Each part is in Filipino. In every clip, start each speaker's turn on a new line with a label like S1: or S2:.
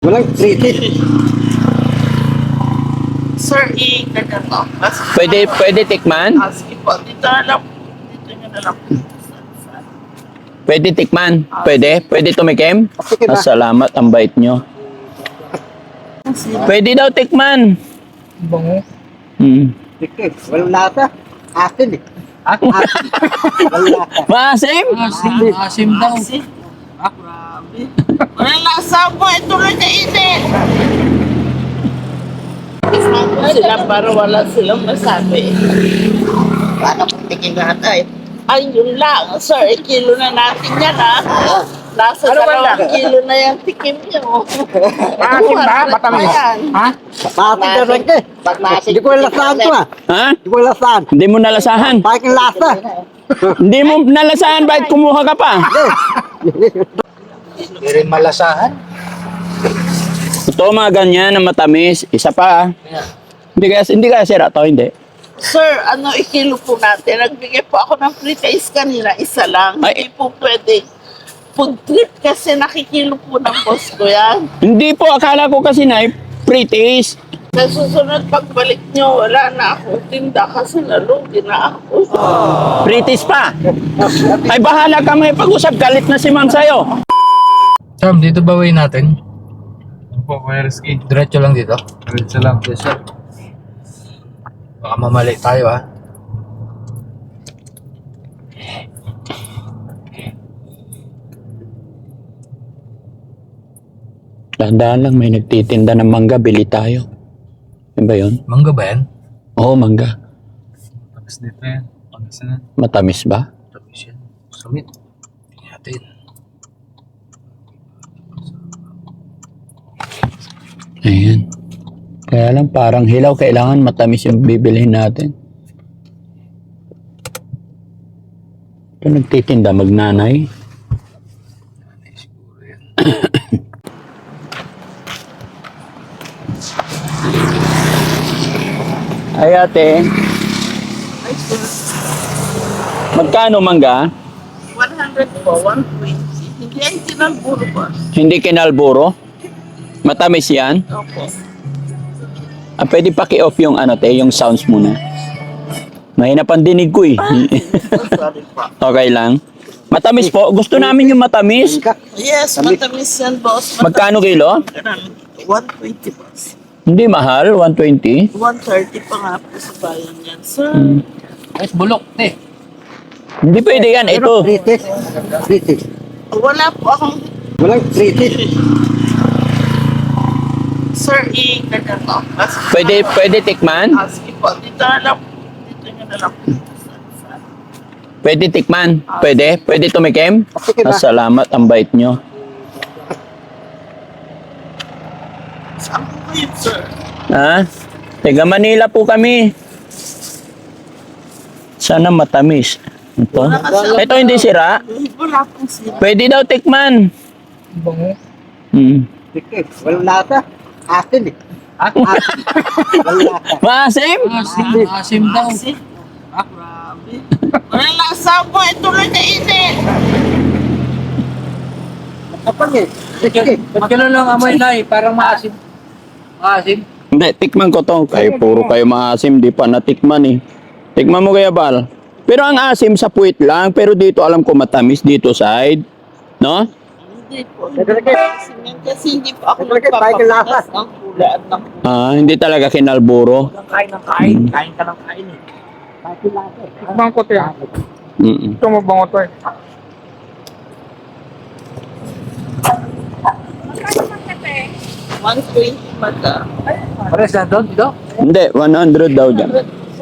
S1: Walang treaty.
S2: Sir, i-ganyan mo.
S3: Pwede tikman?
S2: Sige po, dito na lang. Dito nyo na lang.
S3: Pwede tikman? Pwede tumikim?
S1: Sige ba?
S3: Salamat, ang bait nyo. Pwede daw tikman.
S1: Bango.
S3: Hmm.
S1: Sige, walang lasa. Asin eh. Asin. Walang lasa.
S3: Maasim?
S4: Asim daw.
S2: Kasi, grabe. Walang lasa po, ito lang kainin. Isama sila para wala silang masabi. Paano kung tingin natin? Ay, yun lang. Sir, kilo na natin yan, ha? Nasa 2 kilo na yung tikim nyo.
S4: Maasim ba?
S2: 200
S4: Matamis.
S2: pa yan.
S4: Ha?
S1: Maasin ka rin eh. Hindi ko lasahan to ah.
S3: Ha?
S1: Hindi ko lasahan.
S3: Hindi mo nalasahan?
S1: Bakit yung lasa?
S3: Hindi mo nalasahan, bakit kumuha ka pa?
S4: Hindi rin malasahan.
S3: Ito mga ganyan na matamis. Isa pa. Hindi kaya sira to, hindi.
S2: Sir, ikilo po natin. Nagbigay po ako ng free taste kanina, isa lang.
S3: Ay.
S2: Hindi po pwede. Food trip kasi nakikilo po ng boss ko yan.
S3: Hindi po, akala ko kasi na free taste.
S2: Sa susunod pagbalik nyo, wala na akong tinda kasi nalugi na ako.
S3: Free taste pa. Ay bahala ka, may pag-usap. Galit na si ma'am sa'yo.
S4: Sam, dito ba way natin?
S5: Opo, Kuya Rizky.
S4: Diretso lang dito.
S5: Diretso lang.
S4: Yes, sir. Baka mamali tayo, ha?
S3: Dahan-dahan lang, may nagtitinda ng mangga. Bili tayo. Yan ba yun?
S4: Mangga ba yan?
S3: Oo, mangga.
S5: Tapos dito yan. Pangasinan.
S3: Matamis ba?
S4: Tapos yan. Sumit. Tingnan natin.
S3: Ayan. Kaya lang parang hilaw. Kailangan matamis yung bibilihin natin. Ito nagtitinda magnanay.
S4: Siguro yan.
S3: Ay ate,
S2: Ay, sir.
S3: magkano mangga?
S2: 100 po, 120. Hindi yan tinalburo ba?
S3: Hindi kinalburo? Matamis yan?
S2: Opo.
S3: Pwede paki-off yung yung sounds muna. Mahina pang dinig ko eh.
S2: Sorry po.
S3: Okay lang. Matamis po. Gusto namin yung matamis.
S2: Yes, matamis yan, boss.
S3: Magkano kilo?
S2: 120 boss.
S3: Hindi mahal, 120.
S2: 130 pa nga po sa bayan yan, sir.
S4: Ay, bulok, te.
S3: Hindi pwede yan. Ito.
S1: Treaty. Treaty.
S2: Wala po akong...
S1: Walang treaty.
S2: Sir, i-ganyan mo.
S3: Pwede tikman?
S2: Sige po, dito na lang. Dito nyo na lang.
S3: Pwede tikman? Pwede tumikim?
S1: Sige ba?
S3: Salamat, ang bait nyo.
S2: Saan po kayo, sir?
S3: Ha? Taga Manila po kami. Sana matamis. Ito? Ito hindi sira?
S2: Wala pong sila.
S3: Pwede daw tikman.
S4: Bango.
S3: Hmm.
S1: Sige, walang lasa. Asin eh. Asin. Walang lasa.
S3: Maasim?
S4: Asim daw.
S2: Kasi, grabe. Walang lasa po, ito lang kainin.
S1: Kapag eh. Sige.
S4: Ba't gano'n lang amoy na eh? Parang maasim. Maasim?
S3: Hindi, tikman ko to. Puro kayo maasim, di pa natikman eh. Tikman mo kaya, Bal. Pero ang asim sa puwit lang, pero dito alam ko matamis dito side. No?
S2: Hindi po. Kasi hindi po ako
S1: Talaga, tayo ng lasa.
S2: nagpapakas ng kulay at ng
S3: Hindi talaga kinalburo.
S4: Kain ng kain. Kain ka ng kain eh. Bango to yan.
S3: Mm-mm.
S4: Ito mabango to eh.
S2: One 120 mata.
S4: Pares na doon, dito?
S3: Hindi, 100 daw dyan.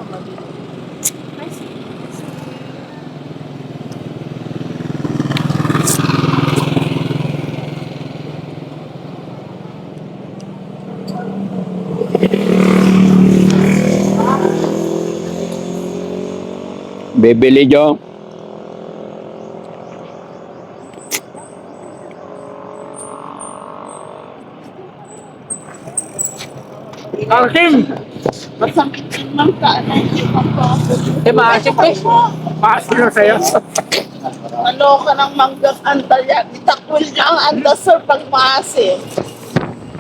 S3: Bibili Jo.
S4: Asim!
S2: Masakit din ng kaanay.
S4: Eh, maasim eh. Maasim na sa'yo.
S2: Ano ka ng manggang anda yan? Itakwil niya ang anda, sir, pag maasim.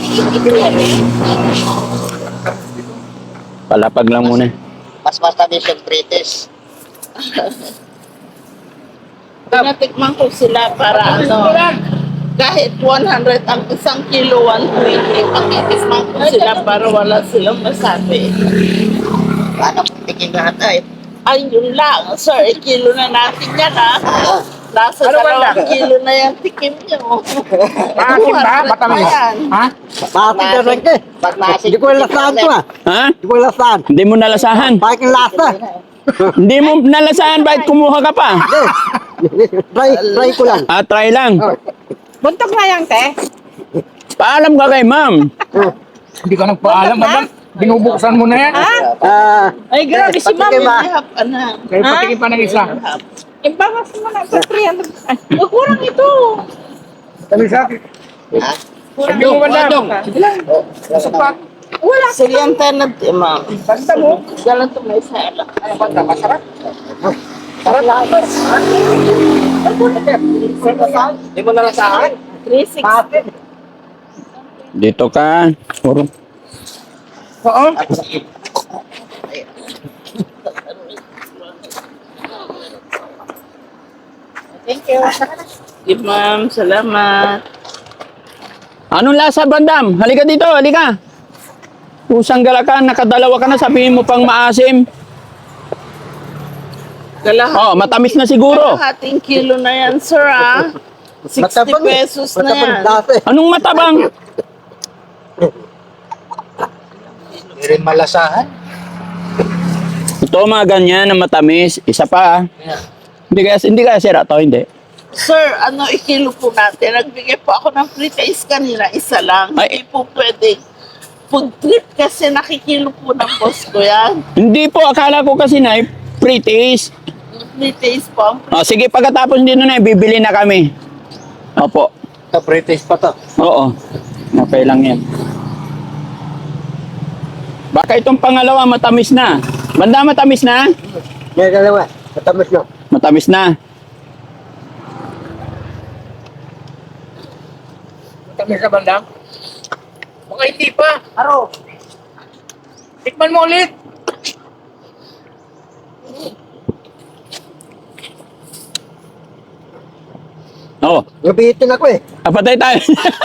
S3: Palapag lang muna.
S1: Mas matamis yung British.
S2: Tinatikman ko sila para ano, kahit 100 ang isang kilo, 120, pakitikman ko sila para wala silang masabi.
S1: Paano kung tikim lahat ay?
S2: Ay, yun lang, sir, kilo na natin yan, ha? Nasa
S4: Ano ba
S2: 2
S4: yan?
S2: kilo na yan, tikim nyo.
S4: Maasim ba?
S2: 200
S4: Matamis?
S2: na yan.
S4: Ha?
S1: Maasin ka rin eh.
S2: Pag maasin,
S1: Hindi ko lasahan to ah.
S3: Ha?
S1: Hindi ko lasahan.
S3: Hindi mo nalasahan.
S1: Bakit yung lasa?
S3: Hindi mo nalasahan, bakit kumuha ka pa?
S1: Try ko lang.
S3: Ah, try lang.
S6: Buntok na yan, te.
S3: Paalam ka kay ma'am.
S4: Hindi ka nagpaalam, madam. Binubuksan mo na yan.
S6: Ay, grabe si ma'am.
S1: Patikim ah.
S2: Ihap, anak.
S4: Kaya patikin pa ng isa.
S6: Ibawas mo na sa 300. Ay, kurang ito.
S4: Sabi sa akin.
S1: Ha?
S4: Sabi mo, madam. Sige lang. Supak.
S6: Wala.
S2: Silyante na, ma'am.
S4: Basta mo.
S2: Galang to may sala.
S4: Ano ba? Masarap. Hindi mo nalasahan?
S2: 360.
S3: Dito ka. Puro.
S4: Oo.
S2: Thank you. Sige, ma'am. Salamat.
S3: Anong lasa, Bandam? Halika dito, halika. Pusang galakan, nakadalawa ka na, sabihin mo pang maasim. Oh, matamis na siguro.
S2: Kalahating kilo na yan, sir, ah. 60
S1: Matabang eh.
S2: pesos na
S1: Matabang
S2: yan.
S1: lasa eh.
S3: Anong matabang?
S1: Hindi rin malasahan.
S3: Ito mga ganyan na matamis. Isa pa. Hindi kaya sira to, hindi.
S2: Sir, ano ikilo po natin? Nagbigay po ako ng free taste kanina, isa lang.
S3: Ay.
S2: Hindi po pwede. Food trip kasi nakikilo po ng boss ko yan.
S3: Hindi po, akala ko kasi na free taste.
S2: Free taste po.
S3: Oh, sige, pagkatapos dito na, bibili na kami. Opo.
S1: Sa British pa to.
S3: Oo. Okay lang yan. Baka itong pangalawa matamis na. Banda, matamis na?
S1: May dalawa. Matamis no.
S3: Matamis na.
S4: Matamis na, bandam. Baka hindi pa. Aro. Tikman mo ulit.
S3: Oo.
S1: Nabihitin ako eh.
S3: Patay tayo.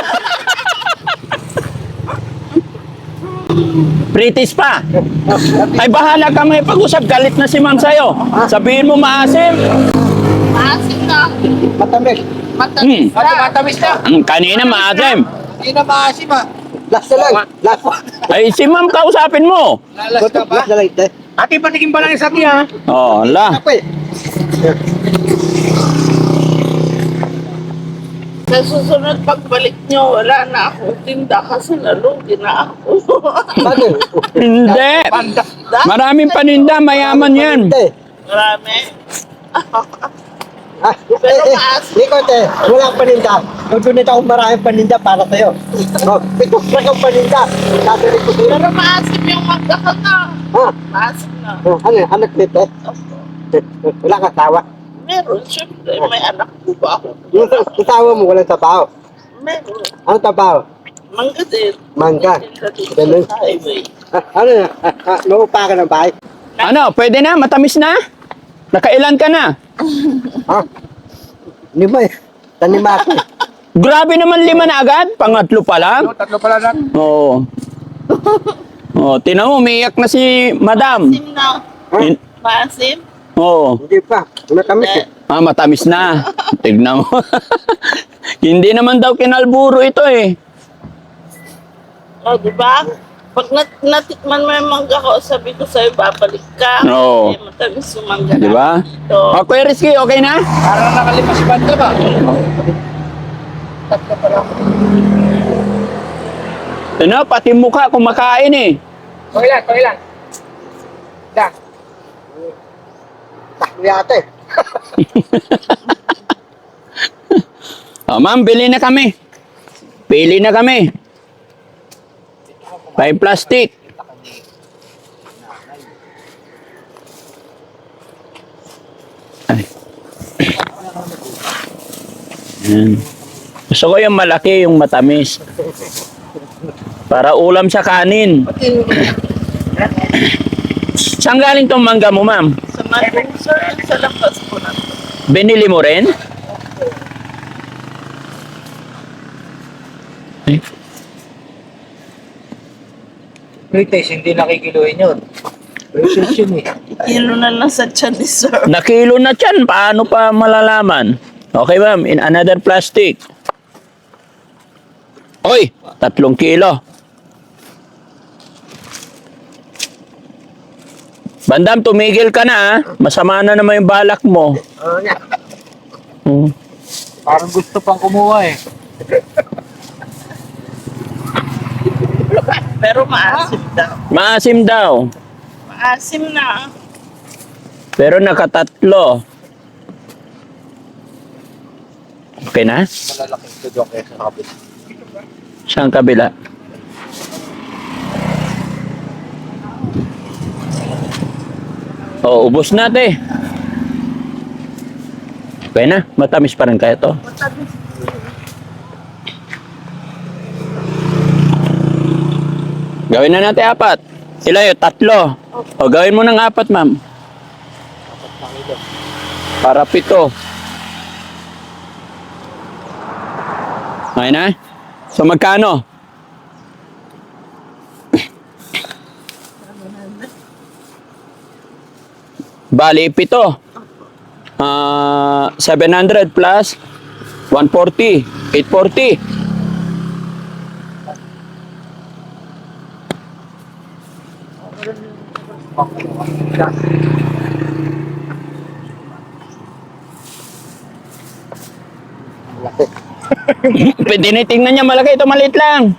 S3: British pa. Ay bahala ka, may pag-usap. Galit na si ma'am sa'yo. Sabihin mo maasim.
S2: Maasim na.
S1: Matamis.
S2: Matamis
S3: Hmm.
S2: na.
S4: Matamis na.
S3: Kanina maasim.
S4: Hindi na maasim ah.
S1: Lasa lang. Lasa.
S3: Ay si ma'am kausapin mo.
S4: Lalas ka ba?
S1: Lasa lang ito eh.
S4: Ate, patikin pa lang isa niya.
S3: Oh, la.
S1: Ako eh.
S2: Sa susunod pagbalik nyo, wala na akong tinda kasi nalugi na ako.
S1: Bakit?
S3: Hindi.
S4: Panda.
S3: Maraming paninda, mayaman yan.
S1: Hindi.
S2: Marami.
S1: Pero Likot eh, wala akong paninda. Nagdunit akong maraming paninda para sa'yo. Ito kang paninda. Tatuloy ko sa'yo.
S2: Pero maasim yung magkakal na.
S1: Ha?
S2: Maasim na.
S1: Ano yan? Anak nito? Wala kang tawa.
S2: Meron, syempre. May anak po ba ako?
S1: Yung tawa mo, walang tabaho.
S2: Meron.
S1: Ano tabaho?
S2: Mangga din.
S1: Mangga.
S2: Dito
S1: Ganun.
S2: sa highway.
S1: Ano yan? Naupa ka ng bahay?
S3: Ano, pwede na? Matamis na? Nakailan ka na?
S1: Ha? Lima eh. Tanima ako eh.
S3: Grabe naman 5 na agad. Pangatlo pa lang.
S4: Tatlo pala na.
S3: Oo. Oh, tinan mo, umiiyak na si madam.
S2: Maasim na.
S3: In-
S2: Maasim?
S3: Oo.
S1: Hindi pa. Matamis eh.
S3: Ah, matamis na. Tignan mo. Hindi naman daw kinalburo ito eh.
S2: O, di ba? Pag natikman mo yung mangga ko, sabi ko sa'yo, babalik ka.
S3: Oo.
S2: Eh, matamis yung mangga
S3: Di ba?
S2: Ito.
S3: Oh, Kuya Rizky, okay na?
S4: Para nakalima si Banda ba? Tatlo pala.
S3: Ano, pati mukha kumakain eh.
S4: Okay lang. Da.
S1: Takbo yata eh.
S3: Oh, ma'am, bili na kami. Pili na kami. 5 plastic. Ay. Yan. Gusto ko yung malaki, yung matamis. Para ulam sa kanin. Saan galing tong mangga mo, ma'am?
S2: Sa Malong, sir, sa labas po na to.
S3: Binili mo rin?
S4: British, hindi nakikiluhin yun. British yun eh.
S2: Kilo na lang sa tiyan ni sir.
S3: Nakilo na tiyan. Paano pa malalaman? Okay, ma'am. In another plastic. Oy, 3 kilo. Bandam, tumigil ka na, ah. Masama na naman yung balak mo.
S1: Oo nga.
S3: Hmm.
S4: Parang gusto pang kumuha eh.
S2: Pero maasim daw.
S3: Maasim daw.
S2: Maasim na.
S3: Pero nakatatlo. Okay na?
S4: Malalaking tudok eh sa kapit.
S3: Saan kabila? Oh, ubos na, te. Okay na? Matamis pa rin kaya to? Gawin na natin 4. Sila yun, 3. O, gawin mo ng 4, ma'am. Para 7. Okay na? So, magkano? Bali, 7. 700 plus 140. 840. Tinitingnan niya malaki, ito maliit lang.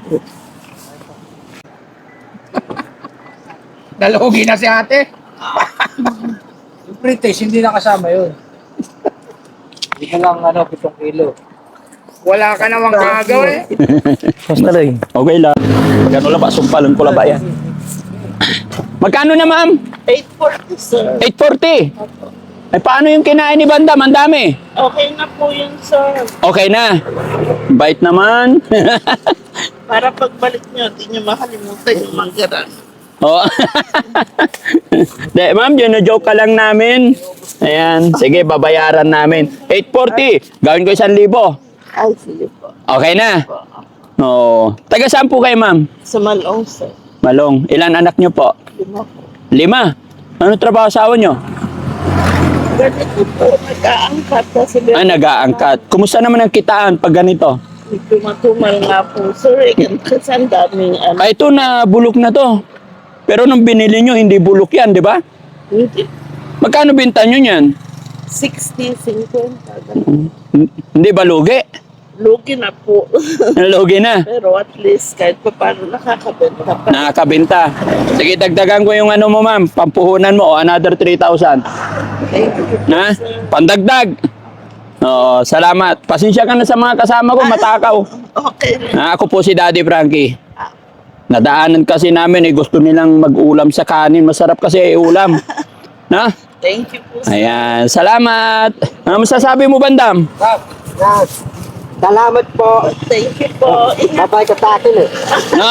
S4: Nalugi na si ate. Yung British, hindi nakasama yun. Hindi ka lang 7 kilo. Wala ka namang kagawin.
S3: Okay lang. Magkano lang ba? Sumpalan ko lang ba yan? Magkano na, ma'am?
S2: 840, sir.
S3: 840. Ay, paano yung kinain ni Bandam? Ang dami.
S2: Okay na po yun, sir.
S3: Okay na. Bait naman.
S2: Para pagbalik nyo, di nyo makalimutan yung manggaran.
S3: Oh. De, ma'am, yun na-joke ka lang namin. Ayan. Sige, babayaran namin. 840. Gawin ko 1,000.
S2: Ay, sige po.
S3: Okay na. Oo. Taga saan po kayo, ma'am?
S2: Sa Malong, sir.
S3: Malong. Ilan anak nyo po?
S2: 5 po.
S3: 5. Ano trabaho asawa nyo?
S2: Ganito po, nag-aangkat kasi
S3: Ay, nag-aangkat. Kumusta naman ang kitaan pag ganito?
S2: Tumatumal nga po, sir. Kasi ang daming
S3: Ay, ito na bulok na to. Pero nung binili nyo, hindi bulok yan, di ba?
S2: Hindi.
S3: Magkano binta nyo yan?
S2: 60, 50. ganun.
S3: Hindi ba lugi?
S2: Lugi na po.
S3: Lugi na.
S2: Pero at least kahit pa paano nakakabenta pa.
S3: Nakakabenta. Sige, dagdagan ko yung ano mo, ma'am. Pampuhunan mo, o another 3,000.
S2: Thank you.
S3: Na? Pandagdag. Oo, salamat. Pasensya ka na sa mga kasama ko, matakaw.
S2: Okay.
S3: Ako po si Daddy Frankie. Nadaanan kasi namin, gusto nilang mag-ulam sa kanin. Masarap kasi ulam. Na?
S2: Thank you po, sir.
S3: Ayan, salamat. Ano masasabi mo, Bandam?
S1: Yan. Salamat po.
S2: Thank you po. Ingat.
S1: Babay ka sa akin eh.
S3: No?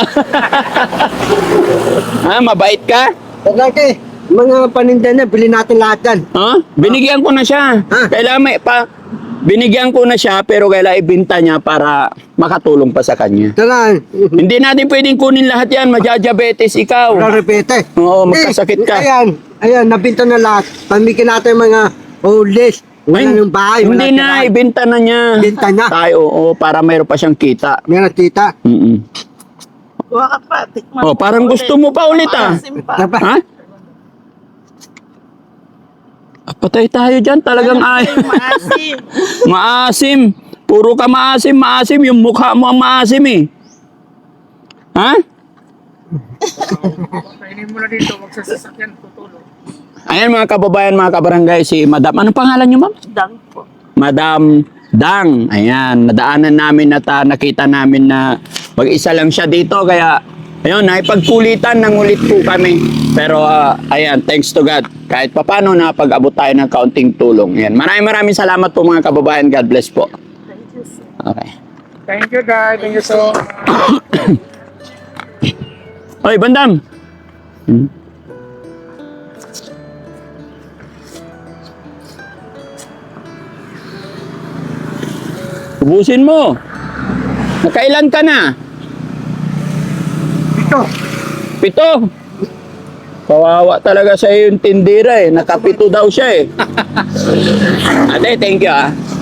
S3: Mabait ka?
S1: Lagi, mga paninda na, bilhin natin lahat yan.
S3: Binigyan ko na siya.
S1: Ha?
S3: Kailangan binigyan ko na siya, pero kailangan ibenta niya para makatulong pa sa kanya.
S1: Tara,
S3: Hindi natin pwedeng kunin lahat yan. Madya-diabetes ikaw.
S1: repete.
S3: Oo, magkasakit ka.
S1: Ayan, nabinta na lahat. Pamigyan natin mga old list. Wala ng bahay, wala
S3: Hindi na,
S1: tirahan.
S3: ibenta na niya.
S1: Ibenta na.
S3: Tayo, oo, para mayroon pa siyang kita.
S1: Meron tita.
S3: Mm-mm.
S2: Kuha ka pa. Tikman
S3: Oh, parang
S2: mo
S3: gusto mo pa ulit, ah.
S2: Maasim pa.
S1: Tapa.
S3: Ha? Patay tayo dyan. Talagang ay.
S2: Maasim.
S3: Maasim. Puro ka maasim, maasim. Yung mukha mo ang maasim eh. Ha?
S4: Kainin mo na dito, magsasasakyan, tutulong.
S3: Ayan mga kababayan, mga kabarangay, si Madam. Anong pangalan niyo, ma'am?
S2: Dang po.
S3: Madam Dang. Ayan, nadaanan namin at nakita namin na mag-isa lang siya dito. Kaya, ayun, naipagkulitan ng ulit po kami. Pero, ayan, thanks to God. Kahit papano napag-abot tayo ng kaunting tulong. Ayan, maraming salamat po mga kababayan. God bless po.
S2: Thank you, sir.
S3: Okay.
S4: Thank you, guys. Thank you so much.
S3: Oy, Bandam! Ubusin mo. Nakailan ka na? Pito. Kawawa talaga sa yung tindira eh. Nakapito daw siya eh. Ate, thank you ah.